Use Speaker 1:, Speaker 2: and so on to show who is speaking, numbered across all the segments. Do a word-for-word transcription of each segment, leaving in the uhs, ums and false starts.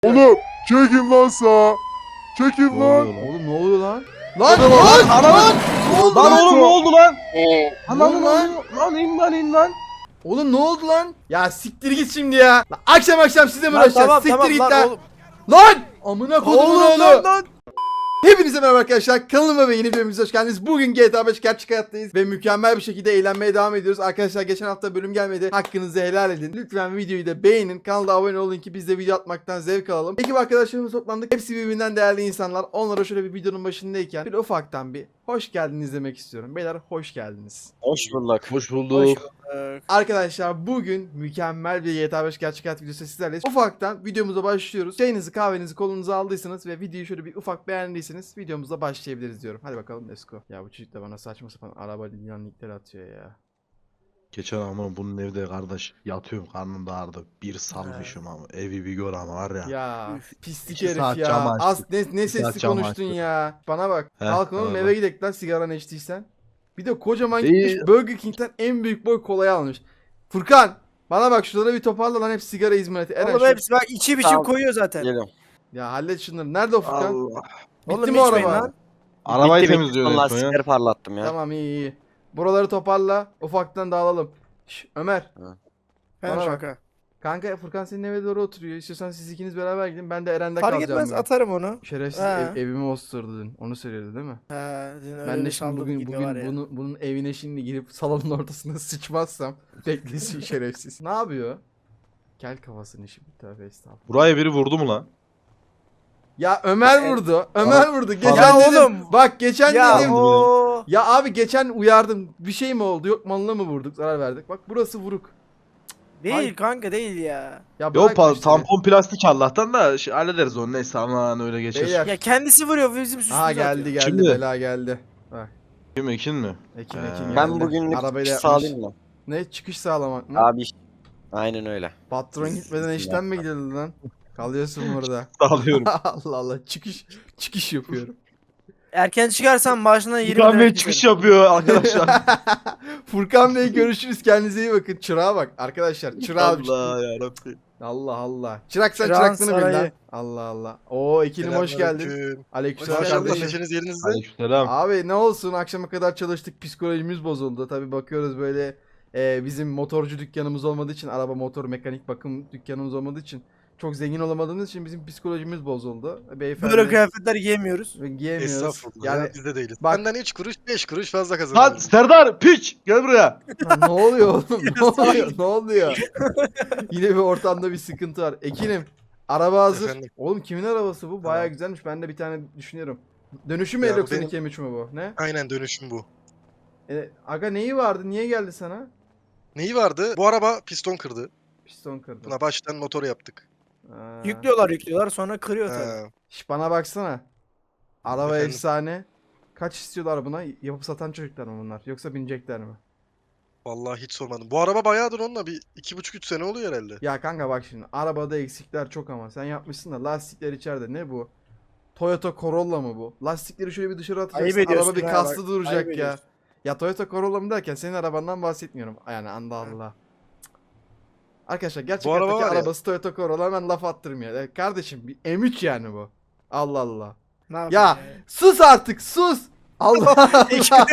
Speaker 1: Oğlum çekin lan sağa. Çekin
Speaker 2: Ne
Speaker 1: lan.
Speaker 2: oluyor lan?
Speaker 3: Oğlum ne oluyor lan? Lan
Speaker 2: Lan
Speaker 3: lan
Speaker 2: lan
Speaker 3: lan! Ne oldu
Speaker 2: Lan
Speaker 3: lan?
Speaker 2: oğlum ne oldu lan?
Speaker 3: Lan
Speaker 2: Lan
Speaker 3: lan!
Speaker 2: lan lan in lan in lan.
Speaker 3: Oğlum ne oldu lan? Ya siktir git şimdi ya. Lan akşam akşam size mi
Speaker 4: Lan
Speaker 3: uğraşacağız?
Speaker 4: tamam
Speaker 3: Siktir
Speaker 4: tamam
Speaker 3: git
Speaker 4: lan
Speaker 3: lan.
Speaker 4: oğlum.
Speaker 3: Lan! Amına kodumun
Speaker 4: Oğlum
Speaker 3: oğlu.
Speaker 4: lan lan.
Speaker 3: Hepinize merhaba arkadaşlar. Kanalıma ve yeni videomuza hoş geldiniz. Bugün G T A beş gerçek hayattayız ve mükemmel bir şekilde eğlenmeye devam ediyoruz. Arkadaşlar geçen hafta bölüm gelmedi. Hakkınızı helal edin. Lütfen videoyu da beğenin. Kanala abone olun ki biz de video atmaktan zevk alalım. Ekip arkadaşlarımız toplandık. Hepsi birbirinden değerli insanlar. Onlara şöyle bir videonun başındayken bir ufaktan bir hoş geldiniz demek istiyorum. Beyler hoş geldiniz.
Speaker 4: Hoş bulduk.
Speaker 2: Hoş bulduk.
Speaker 3: Arkadaşlar bugün mükemmel bir G T A beş gerçek hayat videosu sizlerleyiz. Ufaktan videomuza başlıyoruz. Çayınızı kahvenizi kolunuza aldıysanız ve videoyu şöyle bir ufak beğendiyseniz videomuza başlayabiliriz diyorum. Hadi bakalım let's go. Ya bu çocuk da bana saçma sapan araba dinlenlikleri atıyor ya.
Speaker 2: Geçen ama bunun evde kardeş yatıyorum karnım da ağrıdı. Bir salmışım ama evi bir gör ama var ya.
Speaker 3: Ya pislik
Speaker 2: İki
Speaker 3: herif
Speaker 2: saat
Speaker 3: ya.
Speaker 2: cam açtık.
Speaker 3: Az ne, ne
Speaker 2: saat
Speaker 3: sesli
Speaker 2: cam
Speaker 3: konuştun
Speaker 2: açtık.
Speaker 3: ya. Bana bak.
Speaker 2: Heh,
Speaker 3: Kalkın oğlum
Speaker 2: öyle.
Speaker 3: eve gidelim lan sigaranı içtiysen. Bir de kocaman
Speaker 2: İyi.
Speaker 3: gitmiş Burger King'den en büyük boy kolayı almış. Furkan bana bak şurada bir toparla lan hep sigara hizmeti. Eren
Speaker 4: Oğlum
Speaker 3: şu-
Speaker 4: hepsi bak içi biçim
Speaker 5: Tamam.
Speaker 4: koyuyor zaten.
Speaker 5: Geliyorum.
Speaker 3: Ya hallet şunları. Nerede o Furkan?
Speaker 5: Allah.
Speaker 3: Bitti
Speaker 4: Oğlum
Speaker 3: mi o
Speaker 4: içmeyin
Speaker 3: araba?
Speaker 4: lan.
Speaker 2: Arabayı
Speaker 5: Bitti, bitti.
Speaker 2: temizliyor
Speaker 5: Son
Speaker 2: en son ya.
Speaker 5: lastikleri parlattım ya.
Speaker 3: Tamam iyi iyi. Buraları toparla. Ufaktan dağılalım. Şş, Ömer.
Speaker 4: He
Speaker 3: Bana
Speaker 4: şaka.
Speaker 3: Kanka Furkan senin eve doğru oturuyor. İstiyorsan siz ikiniz beraber gidin. Ben de Eren'de
Speaker 4: Fark
Speaker 3: kalacağım.
Speaker 4: etmez
Speaker 3: ben.
Speaker 4: atarım onu.
Speaker 3: Şerefsiz
Speaker 4: He.
Speaker 3: ev- evimi osturdu dün. Onu söylüyordu değil mi?
Speaker 4: He, dün öyle
Speaker 3: Ben de
Speaker 4: bir
Speaker 3: şimdi
Speaker 4: saldım
Speaker 3: bugün
Speaker 4: gibi
Speaker 3: bugün
Speaker 4: var ya.
Speaker 3: bunu, bunun evine şimdi girip salonun ortasına sıçmazsam beklesin şerefsiz. Ne yapıyor? Kel kafasını şimdi tövbe estağfurullah.
Speaker 2: Buraya biri vurdu mu lan?
Speaker 3: Ya Ömer vurdu. Ömer vurdu. Geçen
Speaker 4: Ya
Speaker 3: dedim.
Speaker 4: oğlum.
Speaker 3: Bak geçen
Speaker 4: Ya
Speaker 3: dedim.
Speaker 4: o.
Speaker 3: Ya abi geçen uyardım. Bir şey mi oldu? Yok malına mı vurduk? Zarar verdik. Bak burası vuruk.
Speaker 4: Değil
Speaker 3: Ay.
Speaker 4: kanka değil ya.
Speaker 3: Ya
Speaker 2: Yok
Speaker 3: bırak bu
Speaker 2: pa-
Speaker 3: işleri.
Speaker 2: tampon plastik Allah'tan da şey, hallederiz onu neyse aman öyle geçer.
Speaker 3: Beyler.
Speaker 4: Ya kendisi vuruyor bizim üstümüze
Speaker 3: Aha
Speaker 4: atıyor.
Speaker 3: geldi geldi
Speaker 2: Şimdi.
Speaker 3: bela geldi. Bak
Speaker 2: Kim Ekin mi?
Speaker 3: Ekin
Speaker 2: Ee,
Speaker 3: Ekin geldi.
Speaker 5: Ben bugünlük
Speaker 3: Arabayla
Speaker 5: çıkış
Speaker 3: yapmış.
Speaker 5: sağlayayım mı?
Speaker 3: Ne çıkış sağlamak mı?
Speaker 5: Abi aynen öyle.
Speaker 3: Patron gitmeden işten mi gidiyordu lan? Kalıyorsun burada.
Speaker 2: Sağlıyorum.
Speaker 3: Allah Allah çıkış çıkış yapıyorum.
Speaker 4: Erken çıkarsan maaşına yirmi
Speaker 2: Furkan
Speaker 4: lira
Speaker 2: Bey
Speaker 4: giderim.
Speaker 2: çıkış yapıyor arkadaşlar.
Speaker 3: Furkan Bey görüşürüz kendinize iyi bakın. Çırağa bak arkadaşlar çırağa bak.
Speaker 2: Allah yarabbim.
Speaker 3: Allah Allah. Çırak sen
Speaker 4: Çırağın
Speaker 3: çıraklığını bil lan.
Speaker 4: sarayı.
Speaker 3: Allah Allah. Oo Ekin'im hoş geldin.
Speaker 1: Selamünaleyküm.
Speaker 3: Aleykümselam
Speaker 1: Hoş geldin.
Speaker 3: kardeşim.
Speaker 1: Neşeniz yerinizde.
Speaker 2: Aleykümselam.
Speaker 3: Abi ne olsun akşama kadar çalıştık psikolojimiz bozuldu. Tabi bakıyoruz böyle e, bizim motorcu dükkanımız olmadığı için araba motor mekanik bakım dükkanımız olmadığı için çok zengin olamadığımız için bizim psikolojimiz bozuldu. Beyefendi
Speaker 4: Böyle kıyafetler giyemiyoruz.
Speaker 3: giyemiyoruz.
Speaker 1: Estağfurullah.
Speaker 3: Yani
Speaker 1: Yani biz de değiliz.
Speaker 3: bak-
Speaker 1: Benden üç kuruş beş kuruş fazla
Speaker 2: Lan
Speaker 1: kazanıyoruz.
Speaker 2: Serdar piç gel buraya.
Speaker 3: lan ne oluyor oğlum? Ne oluyor? Ne oluyor? Yine bir ortamda bir sıkıntı var. Ekinim araba hazır.
Speaker 1: Efendim?
Speaker 3: Oğlum kimin arabası bu? Baya
Speaker 1: Tamam.
Speaker 3: güzelmiş. Ben de bir tane düşünüyorum. Dönüşüm mü
Speaker 1: Ya bu
Speaker 3: doksan iki M üç mü bu? Ne?
Speaker 1: Aynen dönüşüm bu.
Speaker 3: E, aga neyi vardı? Niye geldi sana?
Speaker 1: Neyi vardı? Bu araba piston kırdı.
Speaker 3: Piston kırdı.
Speaker 1: Buna baştan motor yaptık.
Speaker 3: Ha.
Speaker 4: Yüklüyorlar yüklüyorlar sonra kırıyor tabii.
Speaker 1: Ha.
Speaker 3: Şş, bana baksana. Araba
Speaker 1: Efendim?
Speaker 3: efsane. Kaç istiyorlar buna? Yapıp satan çocuklar mı bunlar? Yoksa binecekler mi?
Speaker 1: Vallahi hiç sormadım. Bu araba bayağıdır onunla bir iki buçuk üç sene oluyor herhalde.
Speaker 3: Ya kanka bak şimdi. Arabada eksikler çok ama. Sen yapmışsın da lastikler içeride. Ne bu? Toyota Corolla mı bu? Lastikleri şöyle bir dışarı atacaksın.
Speaker 4: Ayıp ediyorsun
Speaker 3: Araba bir
Speaker 4: ha,
Speaker 3: kaslı
Speaker 4: bak,
Speaker 3: duracak
Speaker 4: ayıp
Speaker 3: ya.
Speaker 4: ediyorsun.
Speaker 3: Ya Toyota Corolla mı derken senin arabandan bahsetmiyorum. Yani anda Allah. Arkadaşlar gerçek
Speaker 1: Bu araba
Speaker 3: hayattaki
Speaker 1: var ya-
Speaker 3: arabası Toyota Corolla hemen laf attırmıyor. Ya kardeşim bir M üç yani bu. Allah Allah.
Speaker 4: Ne yapayım
Speaker 3: Ya sus artık sus. Allah Allah.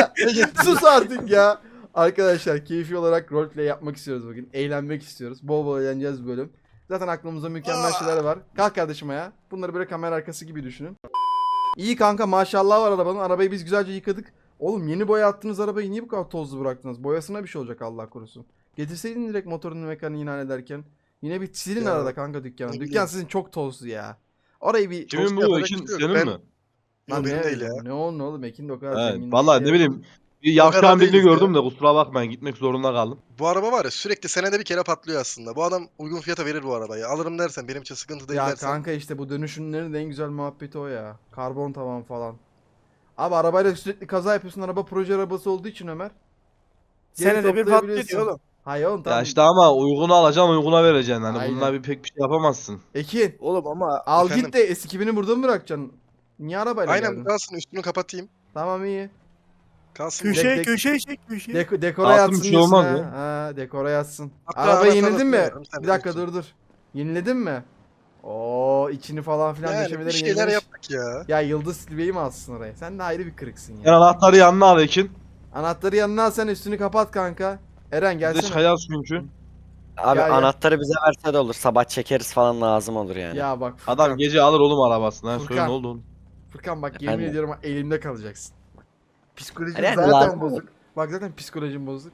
Speaker 3: Sus artık ya. Arkadaşlar keyfi olarak roleplay yapmak istiyoruz bugün. Eğlenmek istiyoruz. Bol bol eğleneceğiz bu bölüm. Zaten aklımızda mükemmel şeyler var. Kalk kardeşim ya. Bunları böyle kamera arkası gibi düşünün. İyi kanka maşallah var arabanın. Arabayı biz güzelce yıkadık. Oğlum yeni boya attığınız arabayı niye bu kadar tozlu bıraktınız? Boyasına bir şey olacak Allah korusun. Getirseydin direkt motorunu mekaniğini hallederken. Yine bir silin
Speaker 1: Ya,
Speaker 3: arada kanka dükkanı.
Speaker 1: ne
Speaker 3: Dükkan
Speaker 1: bileyim.
Speaker 3: sizin çok tozlu ya. Orayı bir...
Speaker 2: Kimin
Speaker 1: Tost
Speaker 2: bu
Speaker 1: yapacak
Speaker 2: Ekin
Speaker 1: bir şey yok.
Speaker 2: senin
Speaker 1: Ben-
Speaker 2: mi?
Speaker 3: Lan
Speaker 1: Yok, benim
Speaker 3: ne,
Speaker 1: değil ya.
Speaker 3: ne oldu oğlum Ekin de o kadar
Speaker 2: Evet,
Speaker 3: zengin
Speaker 2: vallahi
Speaker 3: değil
Speaker 2: ne
Speaker 3: ya.
Speaker 2: bileyim. Bir
Speaker 1: kadar
Speaker 2: yavşağın birini
Speaker 1: değiliz ya.
Speaker 2: gördüm de kusura bakmayın gitmek zorunda kaldım.
Speaker 1: Bu araba var ya sürekli senede bir kere patlıyor aslında. Bu adam uygun fiyata verir bu arabayı. Alırım dersen benim için sıkıntı değil
Speaker 3: Ya
Speaker 1: dersen.
Speaker 3: kanka işte bu dönüşümlerin de en güzel muhabbeti o ya. Karbon tavan falan. Abi arabayla sürekli kaza yapıyorsun. Araba proje arabası olduğu için Ömer. Geri
Speaker 4: Senede bir patlıyor
Speaker 3: toplayabiliyorsun.
Speaker 4: diyor oğlum.
Speaker 3: Hayır oğlum tamam.
Speaker 2: Ya işte ama uygunu alacaksın uyguna vereceksin. Hani
Speaker 3: Aynen.
Speaker 2: bununla bir pek bir şey yapamazsın.
Speaker 3: Ekin
Speaker 4: Oğlum ama
Speaker 3: al
Speaker 1: Efendim?
Speaker 3: git de S iki bini burada mı bırakacaksın? Niye arabayla
Speaker 1: Aynen
Speaker 3: geldin?
Speaker 1: bu kalsın üstünü kapatayım.
Speaker 3: Tamam iyi.
Speaker 1: Kalsın. bu.
Speaker 4: köşeye
Speaker 3: dek-
Speaker 4: köşeye çek köşeye.
Speaker 3: Deko, dekora
Speaker 2: Altın
Speaker 3: yatsın
Speaker 2: bir şey
Speaker 3: diyorsun
Speaker 2: olmaz
Speaker 3: ha.
Speaker 2: ya.
Speaker 3: Ha dekora yatsın.
Speaker 1: Hatta
Speaker 3: Arabayı
Speaker 1: anahtarı
Speaker 3: yeniledin mi?
Speaker 1: atıyorum, sen
Speaker 3: Bir dakika
Speaker 1: bilirsin.
Speaker 3: dur dur. Yeniledin mi? Oo içini falan filan
Speaker 1: Yani bir
Speaker 3: döşemeleri
Speaker 1: şeyler
Speaker 3: yenilemiş.
Speaker 1: yaptık ya.
Speaker 3: Ya Yıldız Silve'yi mi alsın oraya? Sen de ayrı bir kırıksın
Speaker 2: Sen
Speaker 3: ya.
Speaker 2: anahtarı yanına al Ekin.
Speaker 3: Anahtarı yanına al, sen üstünü kapat kanka. Eren
Speaker 2: Biz de
Speaker 3: gelsene.
Speaker 2: çıkacağız çünkü.
Speaker 5: Abi
Speaker 3: Ya, ya.
Speaker 5: anahtarı bize verse de olur. Sabah çekeriz falan lazım olur yani.
Speaker 3: Ya bak Furkan.
Speaker 2: Adam gece alır oğlum arabasını. Ha, söyle
Speaker 3: Furkan.
Speaker 2: ne oldu oğlum?
Speaker 3: Furkan bak yemin
Speaker 5: Efendim?
Speaker 3: ediyorum elimde kalacaksın. Bak, psikolojim
Speaker 5: Eren,
Speaker 3: zaten
Speaker 5: lazım
Speaker 3: bozuk. Bak zaten psikolojim bozuk.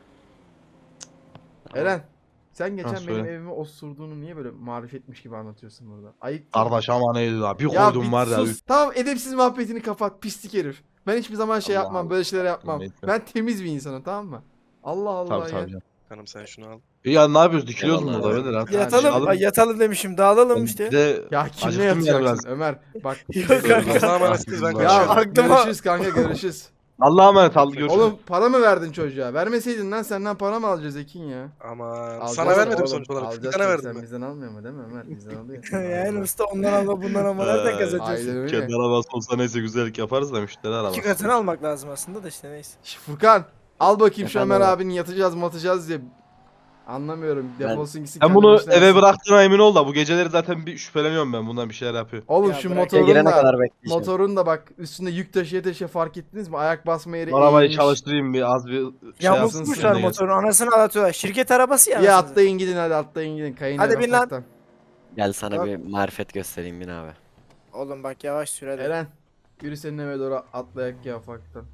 Speaker 5: Tamam.
Speaker 3: Eren sen geçen
Speaker 2: Ha,
Speaker 3: benim
Speaker 2: söyle.
Speaker 3: evimi osurduğunu niye böyle marifetmiş gibi anlatıyorsun burada? Ayıp değil mi?
Speaker 2: Kardeş ama neydi la? Bir
Speaker 3: Ya
Speaker 2: koydum
Speaker 3: bir
Speaker 2: var ya.
Speaker 3: sus. Tamam edepsiz muhabbetini kapat pislik herif. Ben hiçbir zaman şey
Speaker 2: Allah
Speaker 3: yapmam,
Speaker 2: Allah.
Speaker 3: böyle şeyler yapmam.
Speaker 2: Neyse.
Speaker 3: Ben temiz bir insanım, tamam mı? Allah Allah
Speaker 2: Tabii
Speaker 3: ya.
Speaker 2: tabii canım.
Speaker 1: Hanım sen şunu al.
Speaker 2: E ya ne yapıyoruz? Dikiliyoruz mu
Speaker 5: Eyvallah
Speaker 2: burada?
Speaker 5: abi.
Speaker 2: Beyler artık?
Speaker 4: Yatalım.
Speaker 2: Çıkalım.
Speaker 4: Ay, yatalım demişim. Dağılalım
Speaker 2: Ben
Speaker 4: işte.
Speaker 2: Bir de
Speaker 3: Ya kimle
Speaker 2: acıktım yani
Speaker 3: yatacaksın
Speaker 2: biraz.
Speaker 3: Ömer? Bak.
Speaker 4: Yok kanka.
Speaker 1: Allah'a emanetsiniz, ben
Speaker 3: Ya
Speaker 1: kaçıyorum.
Speaker 4: Aklıma-
Speaker 3: görüşürüz kanka, görüşürüz.
Speaker 2: Allah'a emanet al görüşürüz.
Speaker 3: Oğlum para mı verdin çocuğa? Vermeseydin lan, senden para mı alacağız Ekin ya?
Speaker 1: Aman
Speaker 3: Alacağız
Speaker 1: sana vermedim
Speaker 3: oğlum,
Speaker 1: sonuç olarak.
Speaker 3: alacağız
Speaker 1: Furkan'a
Speaker 3: tabii.
Speaker 1: verdim
Speaker 3: Sen
Speaker 1: ben.
Speaker 3: bizden almıyor mu değil mi Ömer? Bizden alıyor.
Speaker 4: Yani usta ondan alma bundan alma. Nereden
Speaker 2: Ee,
Speaker 4: kazanıyorsun?
Speaker 3: Aynen öyle.
Speaker 2: Kendi arabası olsa neyse güzellik yaparız da müşteri arabası.
Speaker 4: İki katını almak lazım aslında da işte neyse.
Speaker 3: Şş, Furkan al bakayım şu
Speaker 5: Efendim
Speaker 3: Ömer
Speaker 5: abi?
Speaker 3: abinin yatacağız matacağız diye. Anlamıyorum.
Speaker 5: Ben-
Speaker 3: Defolsun gitsin.
Speaker 2: Sen
Speaker 3: kendi
Speaker 2: bunu
Speaker 3: başına
Speaker 2: eve
Speaker 3: yatsın.
Speaker 2: bıraktığına emin ol da bu geceleri zaten bir şüpheleniyorum ben bundan bir şeyler yapıyor.
Speaker 3: Oğlum
Speaker 4: Ya
Speaker 3: şu
Speaker 4: bırak,
Speaker 3: motorun
Speaker 5: girene
Speaker 3: da,
Speaker 5: kadar bekleyeceğim.
Speaker 3: motorun da bak üstünde yük taşıya taşıya fark ettiniz mi? Ayak basma yeri
Speaker 2: Arabayı
Speaker 3: eğilmiş.
Speaker 2: çalıştırayım bir az bir şey
Speaker 4: Ya
Speaker 2: yapsın.
Speaker 4: unutmuşlar
Speaker 2: sen de
Speaker 4: motorun anasını ağlatıyorlar. Şirket arabası ya.
Speaker 3: Ya
Speaker 4: anasını.
Speaker 3: atlayın gidin hadi, atlayın gidin. Kayın
Speaker 4: Hadi
Speaker 3: Eren
Speaker 4: bin lan.
Speaker 3: ufaktan.
Speaker 5: Gel sana
Speaker 3: Bak.
Speaker 5: bir marifet göstereyim bin abi.
Speaker 4: Oğlum bak yavaş sür hadi.
Speaker 3: Eren yürü senin eve doğru atlayak ya ufaktan.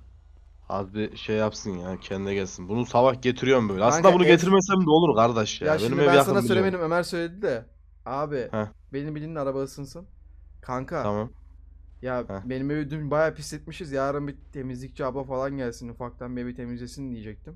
Speaker 2: Az bir şey yapsın ya kendine gelsin. Bunu sabah getiriyorum böyle.
Speaker 3: Kanka,
Speaker 2: Aslında bunu
Speaker 3: ev-
Speaker 2: getirmesem de olur kardeş ya.
Speaker 3: Ya,
Speaker 2: Benim
Speaker 3: şimdi
Speaker 2: ev
Speaker 3: ben
Speaker 2: yakın
Speaker 3: sana
Speaker 2: biliyorum.
Speaker 3: söylemedim, Ömer söyledi de. Abi
Speaker 2: Heh.
Speaker 3: benim bildiğin araba ısınsın. Kanka
Speaker 2: Tamam.
Speaker 3: ya
Speaker 2: Heh.
Speaker 3: benim evi dün bayağı pisletmişiz. Yarın bir temizlikçi abla falan gelsin, ufaktan bir evi temizlesin diyecektim.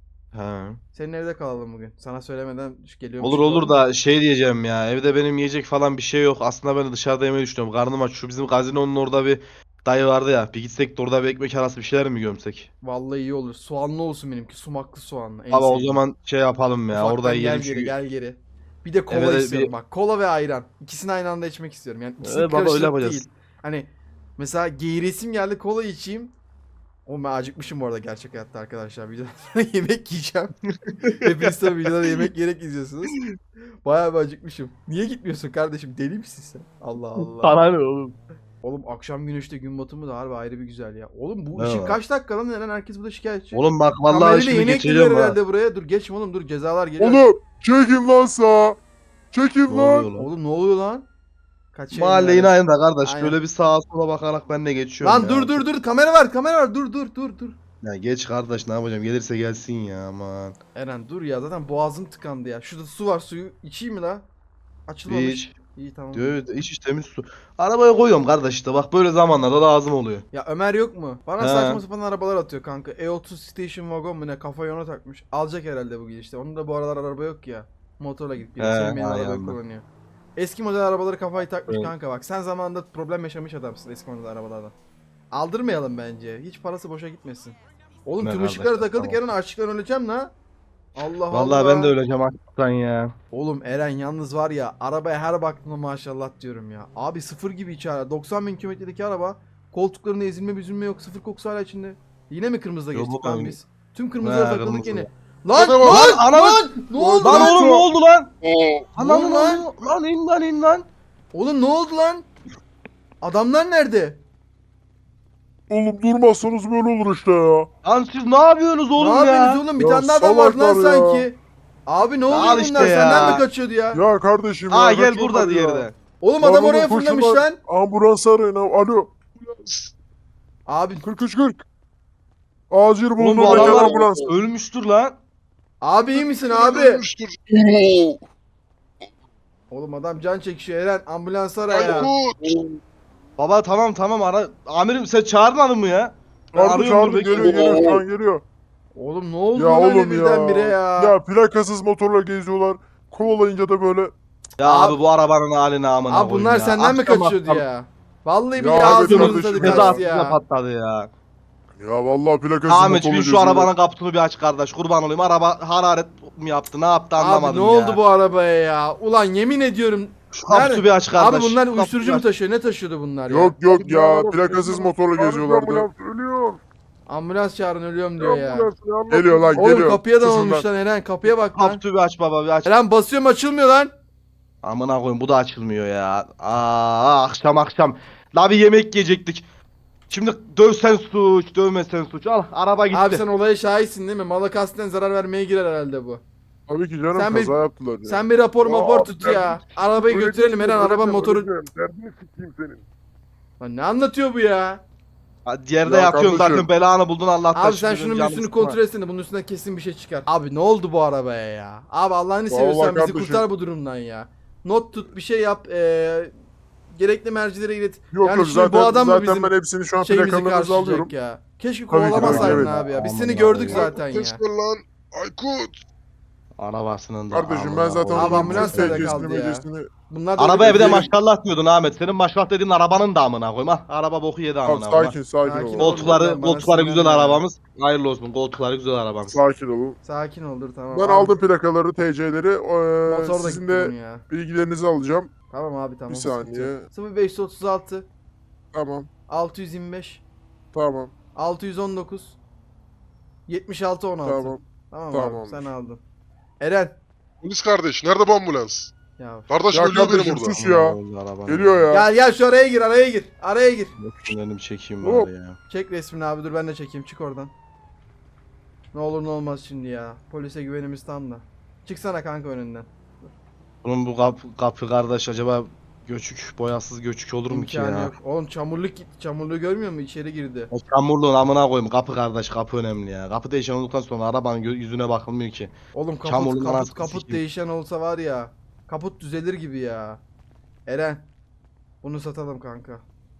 Speaker 2: Ha.
Speaker 3: Senin evde kalalım bugün. Sana söylemeden geliyorum.
Speaker 2: Olur olur da şey diyeceğim ya. Evde benim yiyecek falan bir şey yok. Aslında ben de dışarıda yemeyi düşünüyorum. Karnım aç. Şu bizim gazinonun orada bir dayı vardı ya. Bir gitsek de orada bir ekmek arası bir şeyler mi gömsek?
Speaker 3: Vallahi iyi olur. Soğanlı olsun benimki. Sumaklı soğanlı. En
Speaker 2: Abi o
Speaker 3: sevdiğim.
Speaker 2: zaman şey yapalım ya.
Speaker 3: Ufaktan
Speaker 2: Orada
Speaker 3: gel
Speaker 2: yiyelim
Speaker 3: geri
Speaker 2: çünkü.
Speaker 3: gel geri. Bir de kola
Speaker 2: Eve de
Speaker 3: istiyorum
Speaker 2: bir-
Speaker 3: bak. Kola ve ayran. İkisini aynı anda içmek istiyorum. Yani ikisini
Speaker 2: Ee, baba öyle
Speaker 3: karıştırıp
Speaker 2: yapacağız.
Speaker 3: değil. Hani mesela geğiresim geldi, kola içeyim. O ben acıkmışım bu arada gerçek hayatta arkadaşlar. Videodan sonra yemek yiyeceğim. Hepiniz tabii videoda yemek yiyerek izliyorsunuz. Bayağı bir acıkmışım. Niye gitmiyorsun kardeşim? Deli misin sen? Allah Allah.
Speaker 2: Sana ne oğlum?
Speaker 3: Oğlum akşam güneşte gün batımı da harbi ayrı bir güzel ya. Oğlum bu
Speaker 2: Ne
Speaker 3: ışık
Speaker 2: var?
Speaker 3: kaç dakika lan? Neden herkes burada şikayetçi?
Speaker 2: Oğlum bak vallahi
Speaker 3: Kamerayla
Speaker 2: şimdi
Speaker 3: yeni
Speaker 2: geçeceğim
Speaker 3: eklediler
Speaker 2: ha.
Speaker 3: herhalde buraya. Dur geçme oğlum, dur cezalar geliyor.
Speaker 6: Oğlum çekin lan sağa. Çekin
Speaker 2: Ne oluyor
Speaker 6: lan.
Speaker 2: lan?
Speaker 3: Oğlum ne oluyor lan? Kaç
Speaker 2: Mahalle yine aynı da kardeş.
Speaker 3: Aynen.
Speaker 2: Böyle bir sağa sola bakarak ben de geçiyorum
Speaker 3: Lan
Speaker 2: ya.
Speaker 3: dur dur dur, kamera var kamera var, dur dur dur dur.
Speaker 2: Ya geç kardeş ne yapacağım? Gelirse gelsin ya aman.
Speaker 3: Eren dur ya, zaten boğazım tıkandı ya. Şurada su var, suyu içeyim mi la? Açılmamış.
Speaker 2: İç.
Speaker 3: İyi tamam.
Speaker 2: Diyor iç iç temiz su. Arabaya koyuyorum kardeş işte. Bak böyle zamanlarda lazım oluyor.
Speaker 3: Ya Ömer yok mu? Bana
Speaker 2: He.
Speaker 3: saçma sapan arabalar atıyor kanka. E otuz Station Wagon mu ne, kafayı ona takmış. Alacak herhalde bu gidişte. Onun da bu aralar araba yok ya. Motorla gidip geliyor.
Speaker 2: He,
Speaker 3: Senin benim
Speaker 2: aynen.
Speaker 3: arabayı kullanıyor. Eski model arabaları kafayı takmış
Speaker 2: Evet.
Speaker 3: kanka bak. Sen zamanında problem yaşamış adamsın eski model arabalardan. Aldırmayalım bence. Hiç parası boşa gitmesin. Oğlum
Speaker 2: Ne
Speaker 3: tüm
Speaker 2: kardeş,
Speaker 3: ışıklara takıldık,
Speaker 2: tamam.
Speaker 3: Eren açlıktan öleceğim la. Allah
Speaker 2: Vallahi
Speaker 3: Allah.
Speaker 2: ben de öleceğim hakikaten ya.
Speaker 3: Oğlum Eren yalnız var ya, arabaya her baktığımda maşallah diyorum ya. Abi sıfır gibi içeri. doksan bin kilometredeki araba. Koltuklarında ezilme büzülme yok. Sıfır kokusu hala içinde. Yine mi kırmızıda
Speaker 2: Yok
Speaker 3: geçtik
Speaker 2: oğlum.
Speaker 3: lan biz? Tüm kırmızılara
Speaker 2: He,
Speaker 3: takıldık
Speaker 2: kırmızı.
Speaker 3: yine. Lan
Speaker 6: Hadi
Speaker 3: lan
Speaker 6: bak.
Speaker 3: lan,
Speaker 2: Lan,
Speaker 3: ne oldu
Speaker 2: Lan
Speaker 3: lan?
Speaker 2: oğlum ne oldu lan?
Speaker 6: Oo.
Speaker 2: Lan
Speaker 3: Ne oldu
Speaker 2: lan
Speaker 3: lan?
Speaker 2: lan. Lan in lan in lan.
Speaker 3: Oğlum ne oldu lan? Adamlar nerede?
Speaker 6: Oğlum durmazsanız böyle olur işte ya.
Speaker 2: Lan siz ne yapıyorsunuz oğlum
Speaker 3: ne
Speaker 2: ya?
Speaker 3: yapıyorsunuz oğlum? Bir
Speaker 6: Ya
Speaker 3: tane daha adam vardı lan
Speaker 6: salaklar ya.
Speaker 3: sanki. Abi ne oluyor
Speaker 2: Al
Speaker 3: bunlar?
Speaker 2: işte
Speaker 3: Senden
Speaker 2: ya.
Speaker 3: mi kaçıyordu ya?
Speaker 6: Ya kardeşim ya.
Speaker 2: Aa gel
Speaker 6: kaçıyorlar
Speaker 2: burada
Speaker 6: ya.
Speaker 2: diğeri de.
Speaker 3: Oğlum
Speaker 6: Lan
Speaker 3: adam
Speaker 6: oğlum,
Speaker 3: oraya
Speaker 6: koşun
Speaker 3: fırlamış
Speaker 6: lan.
Speaker 3: lan.
Speaker 6: Ambulans arayın. ha- Alo.
Speaker 3: Abi
Speaker 6: kırk üç kırk. Acil
Speaker 2: Oğlum
Speaker 6: bulunur
Speaker 2: bu
Speaker 6: gelen
Speaker 2: adamlar
Speaker 6: ambulans.
Speaker 2: ölmüştür lan.
Speaker 3: abi iyi misin abi?
Speaker 6: Ölmüştür. Oo.
Speaker 3: Oğlum adam can çekişiyor Eren, ambulans ara ya.
Speaker 6: Aykut.
Speaker 2: Baba tamam tamam ara. Amirim sen çağırmadın mı ya? Ben
Speaker 6: Çağırdı
Speaker 2: arıyorum,
Speaker 6: çağırdı
Speaker 2: dur,
Speaker 6: geliyor
Speaker 2: bekliyorum.
Speaker 6: geliyor şu an geliyor.
Speaker 3: Oğlum ne oldu
Speaker 6: Ya
Speaker 3: lan öyle
Speaker 6: oğlum
Speaker 3: birdenbire
Speaker 6: ya.
Speaker 3: ya?
Speaker 6: Ya plakasız motorla geziyorlar. Kovalayınca da böyle.
Speaker 2: Ya
Speaker 3: Abi-
Speaker 2: abi, bu arabanın haline amına
Speaker 3: Abi
Speaker 2: koyayım
Speaker 3: bunlar
Speaker 2: ya.
Speaker 3: senden mi
Speaker 2: Akşam
Speaker 3: kaçıyordu
Speaker 2: akşam
Speaker 3: ya? Vallahi
Speaker 6: Ya
Speaker 3: bir
Speaker 6: evet
Speaker 3: ağzımızın
Speaker 6: kardeşim,
Speaker 3: tadı
Speaker 6: ya.
Speaker 3: kaçtı
Speaker 2: Cezasız
Speaker 3: ya.
Speaker 2: patladı ya.
Speaker 6: Ya vallahi plakasız
Speaker 2: Ahmet
Speaker 6: motorla
Speaker 2: bin şu
Speaker 6: geziyorlar.
Speaker 2: arabanın kaputunu bir aç kardeş. Kurban olayım. Araba hararet mi yaptı? Ne yaptı anlamadım
Speaker 3: Abi ne
Speaker 2: ya.
Speaker 3: oldu bu arabaya ya? Ulan yemin ediyorum.
Speaker 2: Şu kaputu
Speaker 3: Nerede?
Speaker 2: bir aç kardeş.
Speaker 3: Abi bunlar
Speaker 2: Şu
Speaker 3: uyuşturucu
Speaker 2: kaputu
Speaker 3: mu
Speaker 2: aç.
Speaker 3: taşıyor? Ne taşıyordu bunlar ya?
Speaker 6: Yok yok ya
Speaker 2: Ya,
Speaker 6: plakasız motorla geziyorlardı. Ölüyor.
Speaker 3: Ambulans çağırın, ölüyorum diyor ya.
Speaker 6: Geliyor lan
Speaker 3: Oğlum
Speaker 6: geliyor.
Speaker 3: kapıya da
Speaker 6: Susun
Speaker 3: olmuş
Speaker 6: lan.
Speaker 3: lan Eren, kapıya bak lan.
Speaker 2: Kaputu bir aç baba bir aç.
Speaker 3: Eren basıyorum, açılmıyor lan.
Speaker 2: Amına koyayım bu da açılmıyor ya. Aa akşam akşam. La bir yemek yiyecektik. Şimdi dövsen suç, dövmesen suç. Al araba gitti.
Speaker 3: Abi sen olaya şahitsin değil mi? Mala kasten zarar vermeye girer herhalde bu.
Speaker 6: Tabii ki canım
Speaker 3: Sen bir-
Speaker 6: kaza yaptılar ya.
Speaker 3: Sen bir rapor
Speaker 6: Aa,
Speaker 3: mapor tut ya.
Speaker 6: derdini-
Speaker 3: Arabayı
Speaker 6: Öyle
Speaker 3: götürelim
Speaker 6: değil,
Speaker 3: Eren
Speaker 6: öyle
Speaker 3: araba
Speaker 6: değil,
Speaker 3: motoru.
Speaker 6: öyle değil. Derdini sikeyim senin.
Speaker 3: Lan ne anlatıyor bu ya?
Speaker 2: Ha, Yerde
Speaker 6: Ya
Speaker 2: yatıyorsun zaten
Speaker 6: kardeşim.
Speaker 2: belanı buldun Allah'tan.
Speaker 3: Abi sen
Speaker 2: şükür,
Speaker 3: şunun bir
Speaker 2: canım
Speaker 3: üstünü
Speaker 2: sıkma.
Speaker 3: kontrol etsene. Bunun üstünden kesin bir şey çıkar. Abi ne oldu bu arabaya ya? Abi Allah'ını
Speaker 6: Vallahi
Speaker 3: seviyorsan bizi
Speaker 6: kardeşim.
Speaker 3: kurtar bu durumdan ya. Not tut bir şey yap. Eee gerekli mercilere ilet.
Speaker 6: Yok
Speaker 3: Yani
Speaker 6: yok
Speaker 3: şimdi
Speaker 6: zaten,
Speaker 3: bu adam mı
Speaker 6: zaten
Speaker 3: bizim
Speaker 6: ben hepsini şu an
Speaker 3: Şeyimizi
Speaker 6: plakalarınızı alıyorum.
Speaker 3: karşılayacak ya. Keşke
Speaker 6: Tabii ki,
Speaker 3: kovalamasaydın
Speaker 6: evet.
Speaker 3: abi ya. Biz
Speaker 2: Aman
Speaker 3: seni gördük
Speaker 2: Allah'ım.
Speaker 3: zaten ya.
Speaker 1: Ses ver lan. Aykut.
Speaker 2: Arabasının da.
Speaker 6: Kardeşim ben
Speaker 2: amına
Speaker 6: zaten
Speaker 2: koyayım.
Speaker 3: Abi ambulans
Speaker 6: onun
Speaker 3: nerede
Speaker 6: T C'sini,
Speaker 3: kaldı ya?
Speaker 6: M C'sini
Speaker 3: Bunlar da
Speaker 2: Arabaya bir de
Speaker 3: öyle-
Speaker 2: maşallah diyordun Ahmet. Senin maşallah dediğin arabanın da amına koyayım. Ha, araba boku yedi
Speaker 6: Tamam
Speaker 2: amına koyayım.
Speaker 6: sakin sakin,
Speaker 3: Sakin
Speaker 6: olun.
Speaker 3: ol.
Speaker 2: Koltukları,
Speaker 3: Bana
Speaker 2: koltukları
Speaker 3: sinirlenme
Speaker 2: güzel
Speaker 3: ya.
Speaker 2: arabamız. Hayırlı olsun. Koltukları güzel arabamız.
Speaker 6: Sakin olun.
Speaker 3: Sakin ol dur tamam.
Speaker 6: Ben
Speaker 3: Abi,
Speaker 6: aldım plakaları, T C'leri. Ee,
Speaker 3: Motor da
Speaker 6: sizin
Speaker 3: gitti
Speaker 6: de
Speaker 3: bunun ya.
Speaker 6: bilgilerinizi alacağım.
Speaker 3: Tamam abi tamam.
Speaker 6: Bir
Speaker 3: sıkıntı
Speaker 6: saniye.
Speaker 3: yok. sıfır beş otuz altı
Speaker 6: Tamam
Speaker 3: altı yüz yirmi beş
Speaker 6: tamam
Speaker 3: altı yüz on dokuz yetmiş altı on altı.
Speaker 6: tamam.
Speaker 3: Tamam abi
Speaker 6: Tamamdır.
Speaker 3: sen aldın. Eren.
Speaker 1: Polis kardeş nerede bu ambulans?
Speaker 3: Ya.
Speaker 1: Kardeşim
Speaker 6: Ya
Speaker 1: ölüyor benim
Speaker 6: kardeşim
Speaker 1: burada.
Speaker 6: sus ya.
Speaker 2: Arabam.
Speaker 6: Geliyor ya.
Speaker 3: Gel gel şu araya gir araya gir. Araya gir.
Speaker 2: Benim çekeyim
Speaker 6: Hop.
Speaker 2: bari ya.
Speaker 3: Çek resmini abi dur ben de çekeyim çık oradan. Ne olur ne olmaz şimdi ya. Polise güvenimiz tam da. Çıksana kanka önünden.
Speaker 2: Bunun bu kapı, kapı kardeş acaba göçük, boyasız göçük olur mu ki
Speaker 3: İmkanı
Speaker 2: ya?
Speaker 3: yok. Oğlum çamurluk gitti. Çamurluğu görmüyor musun? İçeri girdi.
Speaker 2: O çamurluğun amına koyayım. Kapı kardeş, kapı önemli ya. Kapı değişen olduktan sonra arabanın gö- yüzüne bakılmıyor ki.
Speaker 3: Oğlum kaput
Speaker 2: Çamurluğun
Speaker 3: kaput
Speaker 2: anasını
Speaker 3: kaput
Speaker 2: sikeyim.
Speaker 3: değişen olsa var ya. Kaput düzelir gibi ya. Eren. Bunu satalım kanka.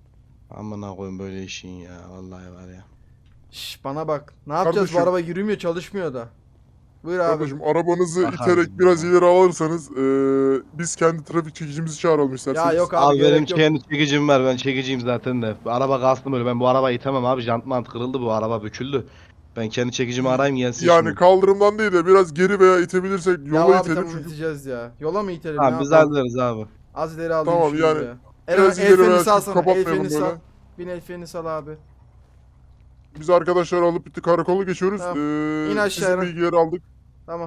Speaker 2: Amına koyayım böyle işin ya. Vallahi var ya.
Speaker 3: Şş bana bak. Ne yapacağız
Speaker 6: Kardeşim.
Speaker 3: bu araba yürümüyor çalışmıyor da. Buyur abi.
Speaker 6: Kardeşim arabanızı
Speaker 2: Bakarım
Speaker 6: iterek biraz
Speaker 2: ya.
Speaker 6: ileri alırsanız eee, biz kendi trafik çekicimizi çağıralım isterseniz.
Speaker 3: Ya yok abi,
Speaker 2: Abi, benim
Speaker 3: gerek yok.
Speaker 2: kendi çekicim var. Ben çekiciyim zaten de. Araba kastım öyle. Ben bu arabayı itemem abi. Jant mant kırıldı bu. Araba büküldü. Ben kendi çekicimi arayayım gelsin
Speaker 6: Yani
Speaker 2: şimdi.
Speaker 6: kaldırımdan değil de biraz geri veya itebilirsek
Speaker 3: Ya
Speaker 6: yola
Speaker 3: abi
Speaker 6: itelim
Speaker 3: tamam
Speaker 6: çünkü
Speaker 3: iteceğiz ya. Yola mı itelim
Speaker 2: Tamam
Speaker 3: ne
Speaker 2: biz
Speaker 3: yapalım?
Speaker 2: hallederiz abi.
Speaker 3: Az ileri aldım
Speaker 6: Tamam,
Speaker 3: şunu
Speaker 6: yani
Speaker 3: ya. Eren
Speaker 6: biraz
Speaker 3: el
Speaker 6: ileri
Speaker 3: freni
Speaker 6: veya
Speaker 3: salsana. El
Speaker 6: kapatmayalım
Speaker 3: freni sal.
Speaker 6: böyle.
Speaker 3: Bin el freni sal abi.
Speaker 6: Biz arkadaşlar alıp bir karakola geçiyoruz.
Speaker 3: Tamam.
Speaker 6: Eee,
Speaker 3: İn aşağı
Speaker 6: sizin
Speaker 3: Eren.
Speaker 6: bilgileri aldık.
Speaker 3: Tamam.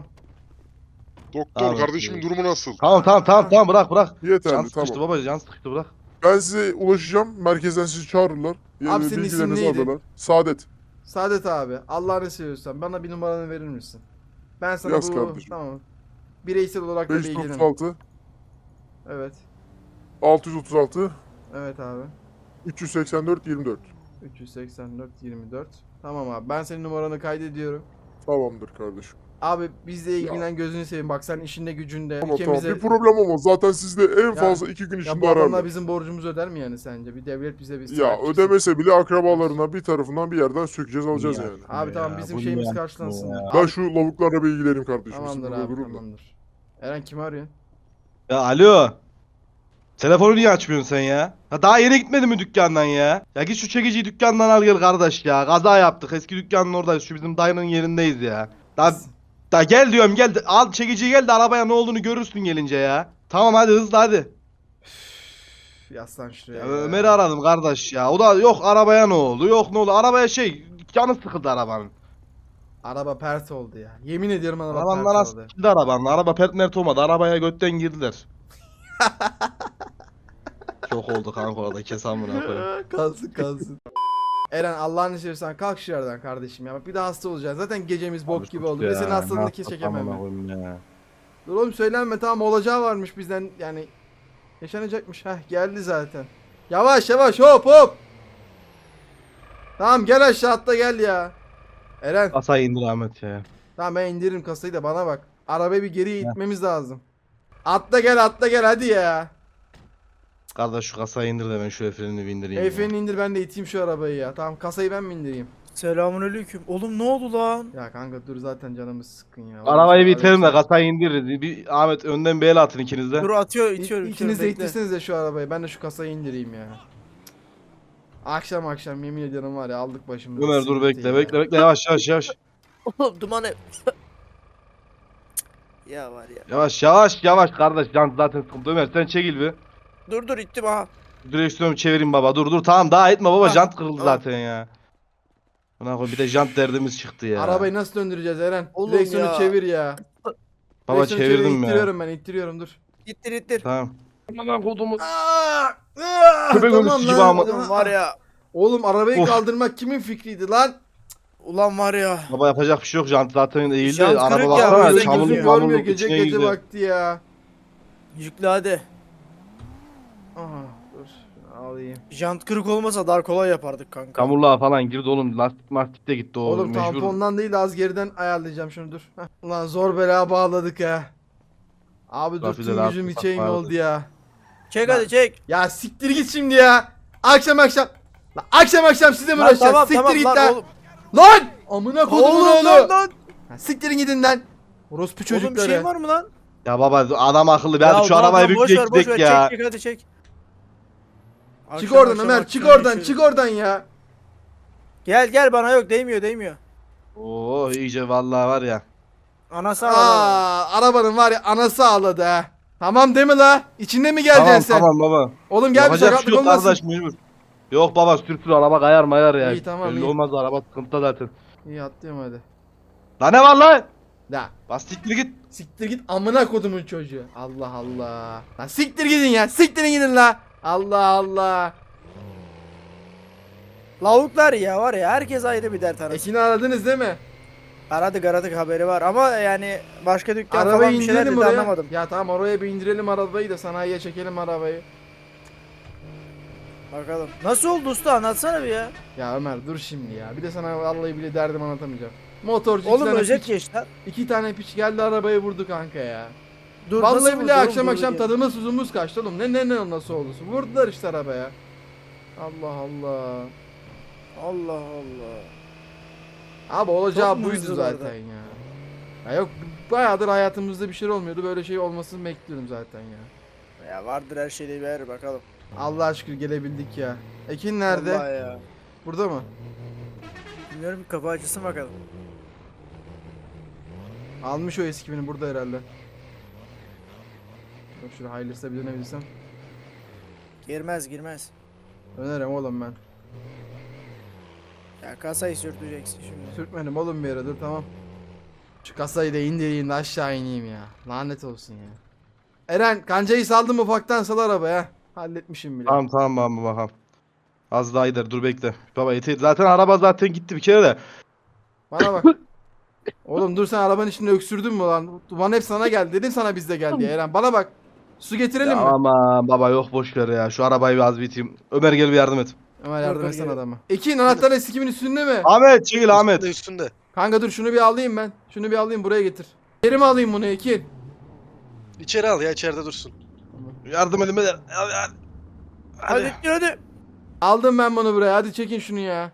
Speaker 1: Doktor
Speaker 2: Tamam.
Speaker 1: kardeşimin durumu nasıl?
Speaker 2: Tamam tamam tamam tamam bırak bırak. Can
Speaker 6: Yeterli
Speaker 2: sıkıştı
Speaker 6: tamam.
Speaker 2: baba can sıkıştı bırak.
Speaker 6: Ben size ulaşacağım. Merkezden sizi çağırırlar.
Speaker 3: Abi
Speaker 6: Eee,
Speaker 3: senin isim
Speaker 6: bilgilerinizi
Speaker 3: neydi?
Speaker 6: alırlar. Saadet.
Speaker 3: Saadet abi. Allah'ını seviyorsan bana bir numaranı verir misin? Ben sana
Speaker 6: Yaz
Speaker 3: bu
Speaker 6: kardeşim.
Speaker 3: tamam. Bireysel olarak da
Speaker 6: beş yüz
Speaker 3: bilgilenirim.
Speaker 6: otuz altı
Speaker 3: Evet.
Speaker 6: altı yüz otuz altı
Speaker 3: Evet abi.
Speaker 6: üç yüz seksen dört yirmi dört.
Speaker 3: üç yüz seksen dört yirmi dört. Tamam abi. Ben senin numaranı kaydediyorum.
Speaker 6: Tamamdır kardeşim.
Speaker 3: Abi bizle ilgilen gözünü seveyim. Bak sen işinde gücünde.
Speaker 6: Tamam
Speaker 3: ülkemize...
Speaker 6: tamam. Bir problem olmaz. Zaten sizde en fazla iki gün
Speaker 3: Ya
Speaker 6: içinde
Speaker 3: bu adamlar
Speaker 6: ararlar.
Speaker 3: bizim borcumuzu öder mi yani sence? Bir devlet bize bir
Speaker 6: Ya
Speaker 3: sahip çıksın.
Speaker 6: ödemese bile akrabalarına bir tarafından bir yerden sökeceğiz alacağız
Speaker 2: Ya.
Speaker 6: yani.
Speaker 3: Abi tamam
Speaker 2: Ya,
Speaker 3: bizim
Speaker 2: bu
Speaker 3: şeyimiz
Speaker 2: niye
Speaker 3: karşılansın.
Speaker 2: ya?
Speaker 6: Ben
Speaker 3: Abi,
Speaker 6: şu lavuklarla bir ilgileneyim kardeşim. Siz
Speaker 3: tamamdır
Speaker 6: burada
Speaker 3: abi
Speaker 6: durun da.
Speaker 3: tamamdır. Eren kimi arıyorsun?
Speaker 2: Ya alo. Telefonu niye açmıyorsun sen ya? Ha daha yeni gitmedin mi dükkandan ya? Ya git şu çekiciyi dükkandan al gel kardeş ya. Kaza yaptık. Eski dükkanın oradayız. Şu bizim dayının yerindeyiz ya. Da, da gel diyorum gel. Al çekiciyi gel de arabaya ne olduğunu görürsün gelince ya. Tamam hadi hızlı hadi.
Speaker 3: Üf, Yaslan şuraya.
Speaker 2: Ya,
Speaker 3: ya.
Speaker 2: Ömer'i aradım kardeş ya. O da yok arabaya ne oldu? Yok ne oldu? Arabaya şey canı sıkıldı arabanın.
Speaker 3: Araba pert oldu ya. Yemin ediyorum araba
Speaker 2: Arabanın
Speaker 3: pert
Speaker 2: arası
Speaker 3: oldu.
Speaker 2: sıkıldı arabanın. Araba pert mert olmadı. Arabaya götten girdiler. Çok oldu kanka orada kes amına koyayım.
Speaker 3: kalsın kalsın. Eren Allah'ını seversen kalk şu yerden kardeşim ya. Bak bir de hasta olacaksın. Zaten gecemiz bok gibi oldu. Ve senin hastalığını kes çekemem ben.
Speaker 2: Ya.
Speaker 3: Dur oğlum söylenme tamam olacağı varmış bizden yani. Yaşanacakmış. Heh geldi zaten. Yavaş yavaş hop hop. Tamam gel aşağı atla gel ya. Eren
Speaker 2: Kasayı indir Ahmet ya.
Speaker 3: tamam ben indiririm kasayı da bana bak. Arabayı bir geriye itmemiz lazım. Atla gel atla gel hadi ya.
Speaker 2: Kardeş şu kasayı indir de ben şu frenini bir indireyim. ya.
Speaker 3: Efendim indir ben de iteyim şu arabayı ya. Tamam kasayı ben mi indireyim?
Speaker 4: Selamünaleyküm. Oğlum ne oldu lan?
Speaker 3: Ya kanka dur zaten canımız sıkkın ya.
Speaker 2: Arabayı
Speaker 3: Oğlum,
Speaker 2: bitirelim de
Speaker 3: araba-
Speaker 2: kasayı indiririz. Bir Ahmet önden bir el atın ikiniz de.
Speaker 4: Dur atıyor
Speaker 3: İ-
Speaker 4: itiyorum.
Speaker 3: İkiniz de
Speaker 4: bekle.
Speaker 3: ittirseniz de şu arabayı. Ben de şu kasayı indireyim ya. Akşam akşam yemin ediyorum var ya aldık başımızı.
Speaker 2: Ömer dur bekle bekle bekle yavaş yavaş yavaş.
Speaker 4: Oğlum duman ev. Ya var ya.
Speaker 2: Yavaş yavaş yavaş kardeş can zaten sıkıntı. Ömer sen çekil bir.
Speaker 4: Dur dur ittim ha.
Speaker 2: Direksiyonu çevireyim baba dur dur tamam daha etme baba
Speaker 4: Ha,
Speaker 2: jant kırıldı
Speaker 4: tamam.
Speaker 2: zaten ya. Buna koy bir de jant derdimiz çıktı ya.
Speaker 3: Arabayı nasıl döndüreceğiz Eren?
Speaker 4: Oğlum
Speaker 3: Direksiyonu
Speaker 4: ya.
Speaker 3: çevir ya.
Speaker 2: Baba
Speaker 3: Direksiyonu çevir,
Speaker 2: çevirdim ya.
Speaker 3: İttiriyorum ben ittiriyorum dur.
Speaker 4: İttir ittir.
Speaker 2: Tamam. Aman kodumu.
Speaker 3: Aa, aa,
Speaker 2: Köpek
Speaker 3: tamam
Speaker 2: ölüsü gibi
Speaker 3: lan.
Speaker 2: ama.
Speaker 4: Oğlum var ya.
Speaker 3: Oğlum arabayı
Speaker 2: Of.
Speaker 3: kaldırmak kimin fikriydi lan?
Speaker 4: Ulan var ya.
Speaker 2: Baba yapacak bir şey yok. Jant zaten eğildi.
Speaker 4: Jant
Speaker 2: Araba
Speaker 4: kırık ya,
Speaker 2: baksana.
Speaker 4: gözün
Speaker 2: Çamurluk
Speaker 3: Gözüm
Speaker 2: mamurluk
Speaker 3: görmüyor gece
Speaker 2: içine
Speaker 3: gece
Speaker 2: girdi.
Speaker 3: vakti ya.
Speaker 4: Yüklü hadi.
Speaker 3: Aha dur alayım.
Speaker 4: Jant kırık olmasa daha kolay yapardık kanka.
Speaker 2: Çamurluğa falan girdi oğlum. Lastik mastik de gitti o.
Speaker 3: Oğlum
Speaker 2: mecbur.
Speaker 3: tampondan değil az geriden ayarlayacağım şunu dur. Heh. Ulan zor bela bağladık ha. Abi dur
Speaker 2: Trafikte
Speaker 3: tüm
Speaker 2: rahat
Speaker 3: gücüm
Speaker 2: tutsak
Speaker 3: içeyim
Speaker 2: vardı.
Speaker 3: oldu ya.
Speaker 4: Çek hadi çek.
Speaker 3: Ya siktir git şimdi ya. Akşam akşam. Lan akşam akşam size mi
Speaker 4: Lan
Speaker 3: uğraşacağız?
Speaker 4: tamam
Speaker 3: Siktir
Speaker 4: tamam
Speaker 3: git
Speaker 4: lan
Speaker 3: lan.
Speaker 4: oğlum.
Speaker 3: Lan! Amına kodumun
Speaker 4: Oğlum
Speaker 3: oğlu.
Speaker 4: lan lan.
Speaker 3: Ha, siktirin gidin lan. Orospu
Speaker 4: Oğlum bir
Speaker 3: çocukları.
Speaker 4: şey var mı lan?
Speaker 2: Ya baba adam akıllı. Bir
Speaker 4: Ya
Speaker 2: hadi şu
Speaker 4: tamam,
Speaker 2: arabayı
Speaker 4: tamam, boş
Speaker 2: bir
Speaker 4: ver, boş
Speaker 2: gidek
Speaker 4: ver.
Speaker 2: ya.
Speaker 4: Çek çek hadi çek.
Speaker 3: Çık
Speaker 4: Akşam
Speaker 3: oradan
Speaker 4: akşam
Speaker 3: Ömer
Speaker 4: akşam
Speaker 3: çık oradan
Speaker 4: yaşıyoruz.
Speaker 3: çık oradan ya.
Speaker 4: Gel gel bana yok değmiyor değmiyor.
Speaker 2: Oo iyice vallahi var ya.
Speaker 4: Anası ağladı.
Speaker 3: Aa, arabanın var ya anası ağladı ha. Tamam değil mi la? İçinde mi geleceksin
Speaker 2: Tamam
Speaker 3: sen?
Speaker 2: tamam baba.
Speaker 3: Oğlum gel bir
Speaker 2: Yapacak bir şey
Speaker 3: sakatlık
Speaker 2: yok
Speaker 3: olmasın.
Speaker 2: kardeş mecbur. Yok baba sürtür araba kayar mayar ya.
Speaker 3: İyi, tamam,
Speaker 2: Belli
Speaker 3: iyi.
Speaker 2: olmaz araba sıkıntıda zaten.
Speaker 3: İyi atlıyorum hadi.
Speaker 2: Lan ne var lan?
Speaker 3: La
Speaker 2: Bas siktir git.
Speaker 3: siktir git amına kodumun çocuğu. Allah Allah. Lan siktir gidin ya. Siktirin gidin la. Allah Allah.
Speaker 4: Lavuklar ya var ya herkes ayrı bir dert arası.
Speaker 3: Ekin'i aradınız değil mi?
Speaker 4: Aradık aradık haberi var ama yani başka dükkan
Speaker 3: Arabayı
Speaker 4: falan bir şeyler
Speaker 3: indirelim
Speaker 4: dedi
Speaker 3: oraya.
Speaker 4: anlamadım.
Speaker 3: Ya tamam oraya bir indirelim arabayı da sanayiye çekelim arabayı.
Speaker 4: Bakalım. Nasıl oldu usta anlatsana bir ya.
Speaker 3: Ya Ömer dur şimdi ya. Bir de sana vallahi bile derdim anlatamayacağım. Motorcu iki
Speaker 4: Oğlum
Speaker 3: tane
Speaker 4: özet
Speaker 3: piç,
Speaker 4: geç lan.
Speaker 3: iki tane piç geldi arabayı vurdu kanka ya.
Speaker 4: Dur,
Speaker 3: Vallahi
Speaker 4: nasıl
Speaker 3: bile
Speaker 4: vurdu oğlum,
Speaker 3: akşam
Speaker 4: dur
Speaker 3: akşam
Speaker 4: ya.
Speaker 3: tadımız tuzumuz kaçtı oğlum. Ne ne ne nasıl oldu? Vurdular işte arabaya. Allah Allah.
Speaker 4: Allah Allah.
Speaker 3: Abi olacağı
Speaker 4: Çok mu
Speaker 3: buydu
Speaker 4: hızlı
Speaker 3: zaten
Speaker 4: vardı?
Speaker 3: ya. Ya yok bayağıdır hayatımızda bir şey olmuyordu. Böyle şey olmasını bekliyorum zaten ya.
Speaker 4: Ya vardır her şeyde bir yer bakalım.
Speaker 3: Allah'a şükür gelebildik ya. Ekin nerede?
Speaker 4: Vallahi ya.
Speaker 3: Burada mı?
Speaker 4: Bilmiyorum ki kapı açılsın bakalım.
Speaker 3: Almış o eskimini burada herhalde. Bak şuraya hayırlısı bir dönebilirsem.
Speaker 4: Girmez girmez.
Speaker 3: Dönerim oğlum ben.
Speaker 4: Ya kasayı sürteceksin şimdi.
Speaker 3: Sürtmedim oğlum bir yere dur tamam. Şu kasayı da indireyim de aşağı ineyim ya. Lanet olsun ya. Eren kancayı saldım ufaktan sal arabaya. Halletmişim bile.
Speaker 2: Tamam tamam baba bakalım. Az daha gider dur bekle. Baba eti zaten araba zaten gitti bir kere de.
Speaker 3: Bana bak. Oğlum dur sen arabanın içinde öksürdün mü lan? Duman hep sana geldi. Dedim sana bizde geldi ya Eren. Bana bak. Su getirelim
Speaker 2: Ya
Speaker 3: mi?
Speaker 2: aman baba yok boş ver ya. Şu arabayı bir az biteyim. Ömer gel bir yardım et.
Speaker 3: Ömer yardım
Speaker 4: dur,
Speaker 3: etsene
Speaker 4: gel.
Speaker 3: adama. Ekin anahtar eskimin üstünde mi?
Speaker 2: Ahmet çekil Ahmet.
Speaker 1: Üstünde üstünde.
Speaker 3: Kanka dur şunu bir alayım ben. Şunu bir alayım buraya getir. Geri mi alayım bunu Ekin?
Speaker 1: İçeri al ya içeride dursun.
Speaker 2: Yardım edin beyler. Hadi hadi.
Speaker 4: Hadi hadi. hadi.
Speaker 3: Aldım ben bunu buraya. Hadi çekin şunu ya.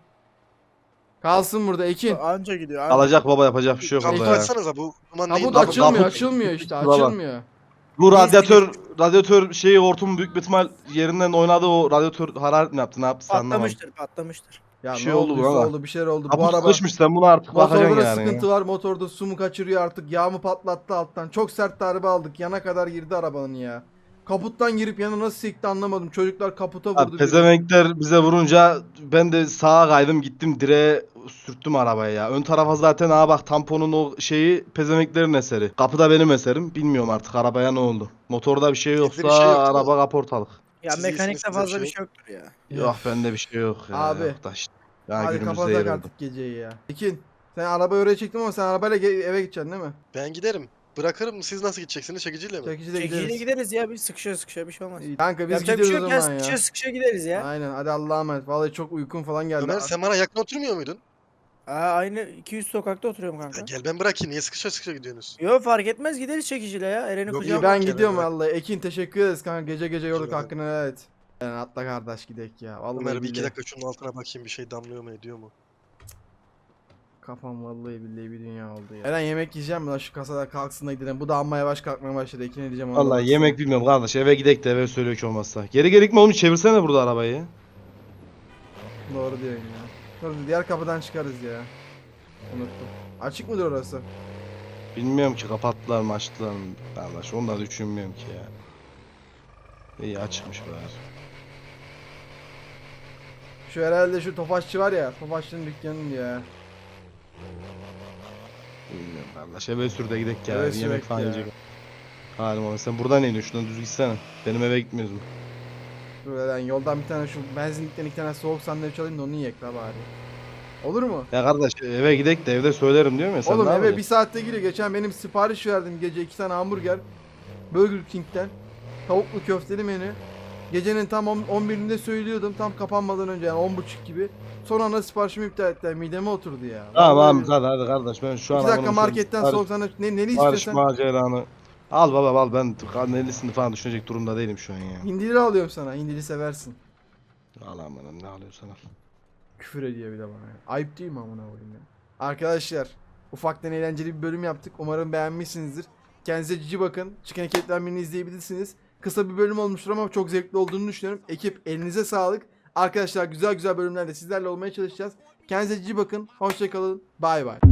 Speaker 3: Kalsın burada Ekin.
Speaker 4: Anca gidiyor. Anca.
Speaker 2: Alacak baba yapacak bir şey yok
Speaker 1: Kaputu
Speaker 2: orada ya.
Speaker 1: açsanıza bu duman neyin?
Speaker 3: Kaput
Speaker 2: Kapı-
Speaker 3: açılmıyor,
Speaker 2: kaput-
Speaker 3: açılmıyor işte,
Speaker 2: Baba.
Speaker 3: açılmıyor.
Speaker 2: Bu radyatör radyatör şeyi hortumun büyük bir ihtimal yerinden oynadı o radyatör hararet mi yaptı ne yaptı anlamadım.
Speaker 4: Patlamıştır patlamıştır.
Speaker 3: Ya
Speaker 2: Bir
Speaker 3: ne
Speaker 2: şey oldu
Speaker 3: olduysa
Speaker 2: buna da.
Speaker 3: oldu, bir şeyler oldu. Bu
Speaker 2: Kaput
Speaker 3: araba
Speaker 2: sıkışmış sen bunu artık bakacaksın
Speaker 3: motorda da
Speaker 2: yani.
Speaker 3: sıkıntı var. Motorda su mu kaçırıyor artık? Yağ mı patlattı alttan? Çok sert darbe aldık. Yana kadar girdi arabanın ya. Kaputtan girip yana nasıl sekti anlamadım. Çocuklar kaputa vurdu.
Speaker 2: Abi
Speaker 3: biri.
Speaker 2: pezevenkler bize vurunca ben de sağa kaydım gittim direğe sürttüm arabayı ya. Ön tarafa zaten aa bak tamponun o şeyi pezevenklerin eseri. Kapıda benim eserim. Bilmiyorum artık arabaya ne oldu. Motorda bir şey yoksa
Speaker 1: bir şey yok, değil
Speaker 2: araba kaportalık.
Speaker 4: Ya
Speaker 1: Siz
Speaker 4: mekanikte
Speaker 1: iyisiniz,
Speaker 4: fazla
Speaker 1: size
Speaker 4: bir
Speaker 1: bir
Speaker 4: şey yoktur ya.
Speaker 2: Yok bende bir şey yok ya.
Speaker 3: Abi.
Speaker 2: Yok da işte. Ya
Speaker 3: Hadi
Speaker 2: günümüzde
Speaker 3: kapatak
Speaker 2: yer oldu.
Speaker 3: artık geceyi ya. Ekin sen arabayı oraya çektin ama sen arabayla ge- eve gideceksin değil mi?
Speaker 1: Ben giderim. Bırakırım siz nasıl gideceksiniz çekiciyle mi?
Speaker 3: Çekiciyle
Speaker 4: Çekiciyle
Speaker 3: gideriz.
Speaker 4: gideriz ya biz sıkışa sıkışa bir şey olmaz.
Speaker 3: İyi, kanka biz
Speaker 4: Yapacak bir şey
Speaker 3: gidiyoruz
Speaker 4: yok
Speaker 3: o
Speaker 4: ya
Speaker 3: zaman ya.
Speaker 4: sıkışa sıkışa gideriz ya.
Speaker 3: Aynen hadi Allah'a emanet. Vallahi çok uykum falan geldi.
Speaker 1: Ömer sen bana yakın oturmuyor muydun?
Speaker 4: Aa, aynı iki yüz sokakta oturuyorum
Speaker 1: Ya
Speaker 4: kanka.
Speaker 1: gel ben bırakayım niye sıkışa sıkışa gidiyorsunuz?
Speaker 4: Yo fark etmez gideriz çekiciyle ya. Eren'i
Speaker 1: Yok,
Speaker 3: İyi
Speaker 4: kucağıma.
Speaker 3: ben
Speaker 1: Gel,
Speaker 3: gidiyorum
Speaker 1: bırak.
Speaker 3: vallahi. Ekin teşekkür ederiz kanka. Gece gece yorduk
Speaker 1: Rica ederim.
Speaker 3: hakkını helal et. Yani atla kardeş gidek ya. Vallahi
Speaker 1: Ömer bir iki
Speaker 3: billahi.
Speaker 1: dakika şunun altına bakayım bir şey damlıyor mu ediyor mu?
Speaker 3: Kafam vallahi billahi bir dünya oldu ya. Eren yemek yiyeceğim mi lan şu kasada kalksın da gidelim. Bu da amma yavaş kalkmaya başladı. Ekin diyeceğim ona da
Speaker 2: Vallahi
Speaker 3: baksana.
Speaker 2: yemek bilmiyorum kardeş eve gidek de eve söylüyor ki olmazsa. Geri gelik mi oğlum çevirsene burada arabayı.
Speaker 3: Doğru diyorsun ya. Dur diğer kapıdan çıkarız ya. Unuttum. Açık mıdır orası?
Speaker 2: Bilmiyorum ki kapattılar mı açtılar mı kardeş onu da düşünmüyorum ki ya. İyi açıkmış bari.
Speaker 3: Şu herhalde şu tofaşçı var ya. Tofaşçının dükkanının ya.
Speaker 2: Bilmiyorum kardeş eve sür de gidek ya.
Speaker 3: Eve
Speaker 2: bir
Speaker 3: sürek
Speaker 2: yemek falan
Speaker 3: ya.
Speaker 2: yiyecek. Halim abi sen buradan iniyorsun. Şuradan düz gitsene. Benim eve gitmiyorsun.
Speaker 3: Dur lan yoldan bir tane şu benzinlikten iki tane soğuk sandviç alayım da onu yiyek la bari. Olur mu?
Speaker 2: Ya kardeş eve gidek de evde söylerim diyorum ya sen
Speaker 3: Oğlum
Speaker 2: ne
Speaker 3: eve
Speaker 2: yapacaksın?
Speaker 3: bir saatte giriyor. Geçen benim sipariş verdim gece iki tane hamburger. Burger King'den. Tavuklu köfteli menü. Gecenin tam on birinde söylüyordum. Tam kapanmadan önce yani on buçuk gibi. Son anda siparişimi iptal ettiler. Mideme oturdu ya.
Speaker 2: Tamam
Speaker 3: Vallahi
Speaker 2: hadi hadi kardeş ben şu an
Speaker 3: iki dakika
Speaker 2: hanımın
Speaker 3: marketten
Speaker 2: şu-
Speaker 3: soğuk sandviç. Ne, neli
Speaker 2: Barış
Speaker 3: istiyorsan.
Speaker 2: maceranı. Al baba al ben nelisini falan düşünecek durumda değilim şu an ya.
Speaker 3: Hindili alıyorum sana. Hindili seversin.
Speaker 2: Al aman ne alıyorsan al.
Speaker 3: Küfür ediyor bir de bana. ya. Ayıp değil mi amına koyayım ya? Arkadaşlar ufaktan eğlenceli bir bölüm yaptık. Umarım beğenmişsinizdir. Kendinize cici bakın. Çıkan ekipten birini izleyebilirsiniz. Kısa bir bölüm olmuştur ama çok zevkli olduğunu düşünüyorum. Ekip elinize sağlık. Arkadaşlar güzel güzel bölümlerde sizlerle olmaya çalışacağız. Kendinize cici bakın. Hoşçakalın. Bay bay.